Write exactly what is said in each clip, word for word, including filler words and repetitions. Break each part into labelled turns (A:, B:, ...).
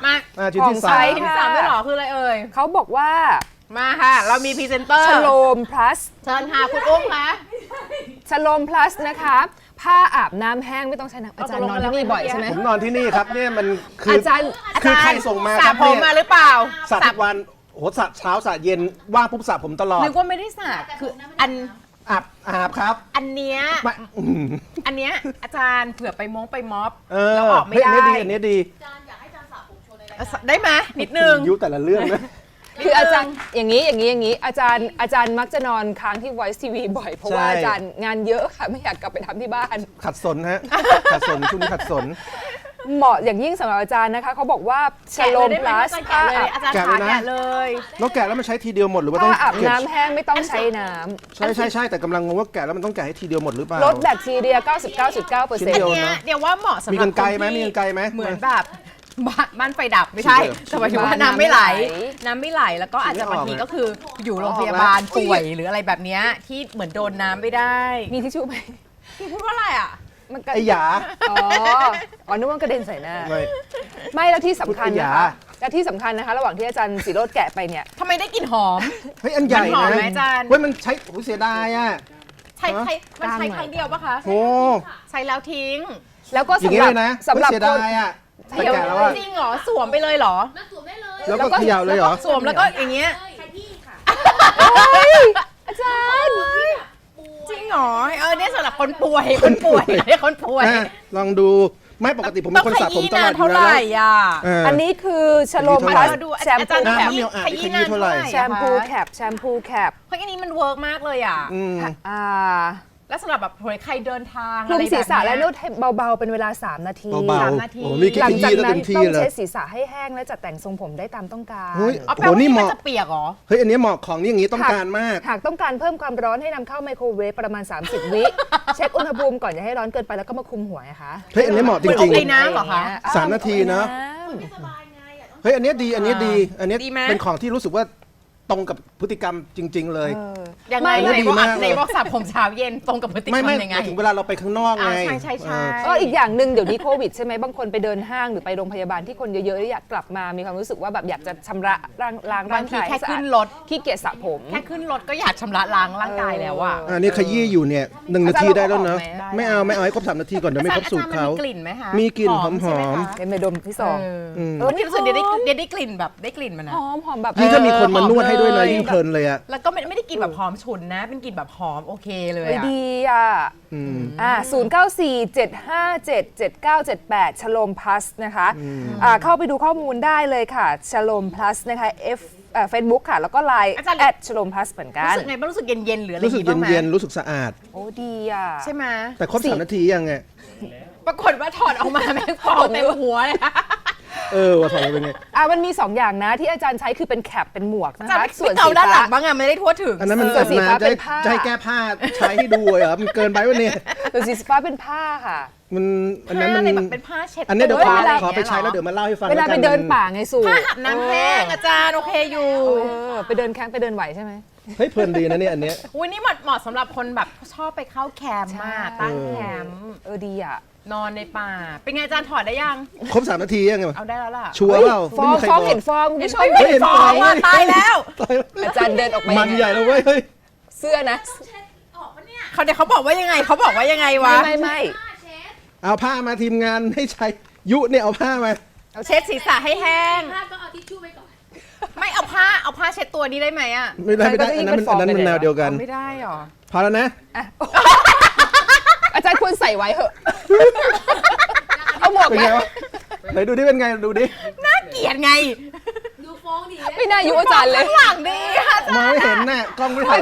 A: มา
B: ชิ้นที่สาม
A: ชิ้นที่สามด้วยหรอคืออะไรเอ่ย
C: เขาบอกว่า
A: มาค่ะเรามีพรีเซนเตอร์
C: ชโลม plus
A: เชิญค่ะคุณอุ้มคะ
C: ชโลม plus นะคะผ้าอาบน้ำแห้งไม่ต้องใช้น้ำอาจารย์นอนที่นี่บ่อยใช่ไหม
B: ผมนอนที่นี่ครับเนี่ยมันคือ
C: อาจารย์
B: คือใครส่งมา
A: สระผมมาหรือเปล่า
B: สระทุกวันโหสระเช้าสระเย็นว่างปุ๊บสระผมตลอด
A: นึกว่าไม่ได้สระคืออัน
B: อาบอาบครับ
A: อันเนี้ยอันเนี้ยอาจารย์เผื่อไปม้งไปม็อบ
B: แล้ว
A: ออกไม่ได้
B: อันนี้ดีอันนี้ดี
A: อาจารย์อยากให้อาจารย์สระผมโชว์ในได้ไหมนิดนึง
B: ยุแต่ละเรื่องนะ
C: คืออาจารย์อย่างนี้อย่างนี้อย่างนี้อาจารย์อาจารย์มักจะนอนค้างที่ Voice ที วี บ่อยเพราะว่าอาจารย์งานเยอะค่ะไม่อยากกลับไปทำที่บ้าน
B: ขัดสนฮะขัดสนช่วงนี้ขัดสน
C: เหมาะอย่างยิ่งสำหรับอาจารย์นะคะเขาบอกว่าชโลม plus
A: ผ้าอาจารย์ขาแกะเลย
B: แล้วแกะแล้วมันใช้ทีเดียวหมดหรือว่าต้อง
C: อาบน้ำแห้งไม่ต้องใช้น้ำ
B: ใช่ใช่ใช่แต่กำลังงงว่าแกะแล้วมันต้องแกะให้ทีเดียวหมดหรือเปล่า
C: ลดแบคทีเรีย เก้าสิบเก้าจุดเก้าเปอร์เซ็นต์
A: เนี้ยเดี๋ยวว่าเหมาะสำหรับ
B: มีกันไกลไหมมีกันไกลไหม
A: เหมือนแบบบ้านไฟดับไม่ใช่แต่หมายถึงว่าน้ำไม่ไหลน้ำไม่ไหลแล้วก็อาจจะบางทีก็คืออยู่โรงพยาบาลป่วยหรืออะไรแบบนี้ที่เหมือนโดนน้ำไม่ได้
C: มีทิชชู่ไหม
A: พี่พูดว่าอะไรอ่ะ
C: มัน
B: ไอ้หยา
C: อ๋ออ๋อนึกว่ากระเด็นใส่หน้าไม่แล้วที่สำคัญนะคะและที่สำคัญนะคะระหว่างที่อาจารย์ศิโรจน์แกะไปเนี่ย
A: ทำไมได้กลิ่นหอม
B: เฮ้ยอันใหญ่นะ
A: อาจารย์
B: เฮ้ยมันใช้โอ้เสียดายอ่ะ
A: ใช้ใช้มันใช้ครั้งเดียวปะคะ
B: โอ้
A: ใช้แล้วทิ้ง
C: แล้วก็สำหรับ
B: สำหรับเสียดายอ่ะ
A: เดี๋ยวจริงเหรอสวมไปเลยเหรอ
D: สวมได้เลย
B: แล้วก็เขย่าเลยเหรอ
A: สวมแล้วก็อย่างเงี้ย
D: ใช้ที่ค่ะ
C: อาจารย์
A: จริงเหรอเออเนี่ยสำหรับคนป่วยคนป่วยเนี่ยคนป่วย
B: ลองดูไม่ปกติผมเป็นคนสระผมตลอดอยู่แล้ว
C: อันนี้คือชโลม plus แชมพูแคป
A: ขยี้นานเท่าไหร่
C: แชมพูแคปแชมพูแคป
A: เพราะอันนี้มันเวิร์กมากเลยอ่ะ
C: อ่า
A: แล้วสำหรับแบบใครเดินทาง
C: คลุมศีรษะและนวดเบาๆเป็นเวลาสามนาที
B: สามนาทีหลังจากนั้น
C: ต้องเช็ดศีรษะให้แห้งและจัดแต่งทรงผมได้ตามต้องการ
B: โอ้
A: โหนี่เหมาะจะเปียกเหรอ
B: เฮ้ยอันนี้เหมาะของนี่อย่างนี้ต้องการมาก
C: หากต้องการเพิ่มความร้อนให้นำเข้าไมโครเวฟประมาณสามสิบวิเช็คอุณหภูมิก่อนอย่าให้ร้อนเกินไปแล้วก็มาคุมหัวนะคะ
B: เฮ้ยอันนี้เหมาะจริงๆ
A: ไอ้น้ำเหรอคะ
B: สามนาทีนะเฮ้ยอันนี้ดีอันนี้ดีอันนี้เป็นของที่รู้สึกว่าตรงกับพฤติกรรมจริงๆเลย
A: ยังไงในบอกในบอกสระผมเช้าเย็นตรงกับพฤติกรรมยังไง
B: ไม่ไม่ถึงเวลาเราไปข้างนอกไง
A: ใช่ใช่ใช่
C: ก็อีกอย่างหนึ่งเดี๋ยวนี้โควิดใช่ไหมบางคนไปเดินห้างหรือไปโรงพยาบาลที่คนเยอะๆอยากกลับมามีความรู้สึกว่าแบบอยากจะชำระล้างล้างร่างกาย
A: แค่ขึ้นรถ
C: ขี้เกียจสระผม
A: แค่ขึ้นรถก็อยากชำระล้างร่างกายแล้วอ่ะ
B: อันนี้ขยี้อยู่เนี่ยหนึ่งนาทีได้แล้วเนอะไม่เอาไม่เอาให้ครบสามนาทีก่อนเดี๋ยวไม่ครบสูตรเขา
A: มีกลิ่นไหมคะ
B: มีกลิ่นหอมหอม
C: เป็นเมดมที่สอง
A: เออที่รู้สึกเดี๋ยวได้เดี๋ยวได้กลิ่นแบบได้กลิ่นมันนะ
C: หอมหอมแบบ
B: ยิ่งถ้ามีคนมานวดให้ด้วยนะยิ่งเพลินเลยอะ
A: แล้วก็ไม่ได้กลิ่นแบบหอมฉุนนะเป็นกลิ่นแบบหอมโอเคเลยอ่ะ
C: ดีอ่ะอ่าศูนย์เก้าสี่เจ็ดห้าเจ็ดเจ็ดเก้าเจ็ดแปดชโลม plus นะคะอ่าเข้าไปดูข้อมูลได้เลยค่ะชโลม plus นะคะ F เฟซบุ๊กค่ะแล้วก็ไลน์แอดชโลม plus เหมือนกัน
A: รู้สึกไงบ้างรู้สึกเย็นเย็นหรืออะไร
B: รู้สึกเย็นเย็นรู้สึกสะอาด
C: โอ้ดีอ่ะ
A: ใช่ไหม
B: แต่ครบสามนาทียังไง
A: ปรากฏว่าถอดออกมาแม่งฟองเต็มหัวเลย
B: เออว่าถอดเป็นไง
C: อ่ะมันมีสองอย่างนะที่อาจารย์ใช้คือเป็นแคปเป็นหมวกนะคะ
A: ส่วนสีฟ้าด้านหลังบ้างอะไม่ได้ทั่วถึง
B: อันนั้นมันเกิดมาจะจะให้แก้ผ้าใช้ให้ดูเหรอมันเกินไปวะเนี่ย
C: ส่วนสีฟ้าเป็นผ้าค่ะ
B: มันอันนั้นมัน
A: เป็นผ้าเช็ด
B: อันนี้เดี๋ยวขอไปใช้แล้วเดี๋ยวมาเล่าให้ฟัง
C: เวลาไปเดินป่าไงสู
A: ผ้าอาบน้ำแห้งอาจารย์โอเคอยู่
C: ไปเดินแคมป์ไปเดินไหวใช่ไหม
B: เฮ้ยเพลินดีนะเนี่ยอันเนี้ย
A: อุ้ยนี่เหมาะสำหรับคนแบบชอบไปเข้าแคมป์มากตั้งแคมป์
C: เออดีอ่ะ
A: นอนในป่าเป็นไงอาจารย์ถอดได้ยัง
B: ครบสามนาทียังไง
A: เอาได้แล้วล่ะ
B: ชัวร์เปล่า
C: ฟองฟองเห็นฟองไม่ใช่
A: เห็นฟองตายแล้ว
C: อาจารย์เดินออกไป
B: มันใหญ่แล้วเว้ย
C: เสื้อนะ
A: เขาเดี๋ยวเขาบอกว่ายังไงเขาบอกว่ายังไงวะ
C: ไม่ไม่
B: เอาผ้ามาทีมงานให้ใช้ยุเนี่ยเอาผ้ามา
A: เอาเช็ดศีรษะให้แห้ง
D: ผ้าก็เอาทิชชู่ไปก่อน
A: ไม่เอาผ้าเอาผ้าเช็ดตัวนี้ได้ไหมอ่ะ
B: ไม่ได้ไม่ได้อันนั้นอันนั้นมันแนวเดียวกัน
A: ไม่ได้หรอ
B: พอแล้วนะ
C: อาจารย์ควรใส่ไว้เหอะเอาหมวกไหม
B: ไหนดูดิเป็นไงดูดิ
A: น่าเกลียดไง
D: ดูฟ้องดิ
C: ไม่น่ายุอาจารย์เลย
A: หลังดีค่ะ
B: มองไม่เห็นน่ะกล้องไม่ถ่าย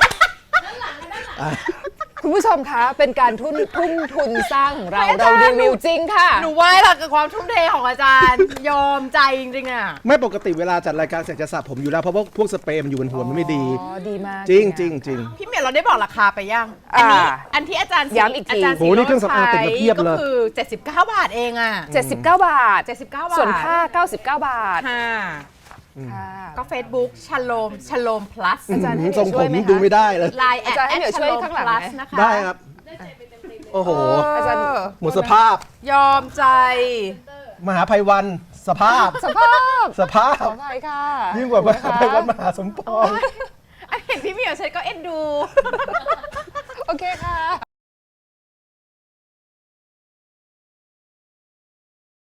C: คุณผู้ชมคะเป็นการทุ่มทุ่มทุนสร้างของเราเรารีวิวจริงค่ะ
A: หนูไหว้ละกับความทุ่มเทของอาจารย์ยอมใจจริงๆอ่ะ
B: ไม่ปกติเวลาจัดรายการเสร็จจะสระผมอยู่แล้วเพราะว่าพวกสเปรย์มันอยู่บนหัวมันไม่ดี
C: อ๋อดีมาก
B: จริงจริงจริง
A: พี่เมียเราได้บอกราคาไปยังอันนี้อันที่อาจารย์
C: ย้ำอีกที
B: โอ้นี่เครื่องสำอางติดมาเพียบเลย
A: ก็คือเจ็ดสิบเก้าบาทเองอ่ะ
C: เจ็ดสิบเก้าบาท
A: เจ็ดสิบเก้าบาท
C: ส่วนผ้าเก้าสิบเก้าบาท
A: ค่ะก็ Facebook ชโลมชโลม plus
C: อาจารย์ให้
B: ทรงผมดูไม่ได้เลย
A: ไลน์แอดแอดชโลม plus นะคะ
B: ได้ครับโอ้โห
C: อาจารย์
B: หมดสภาพ
A: ยอมใจ
B: มหาภัยวันสภาพ
C: สภาพ
B: สภา
C: ข
B: พ
C: ออภัยค่ะ
B: ยิ่งกว่าไปวัดมหาสมปอง
A: อันเห็นพี่เหมียวฉันก็เอ็นดู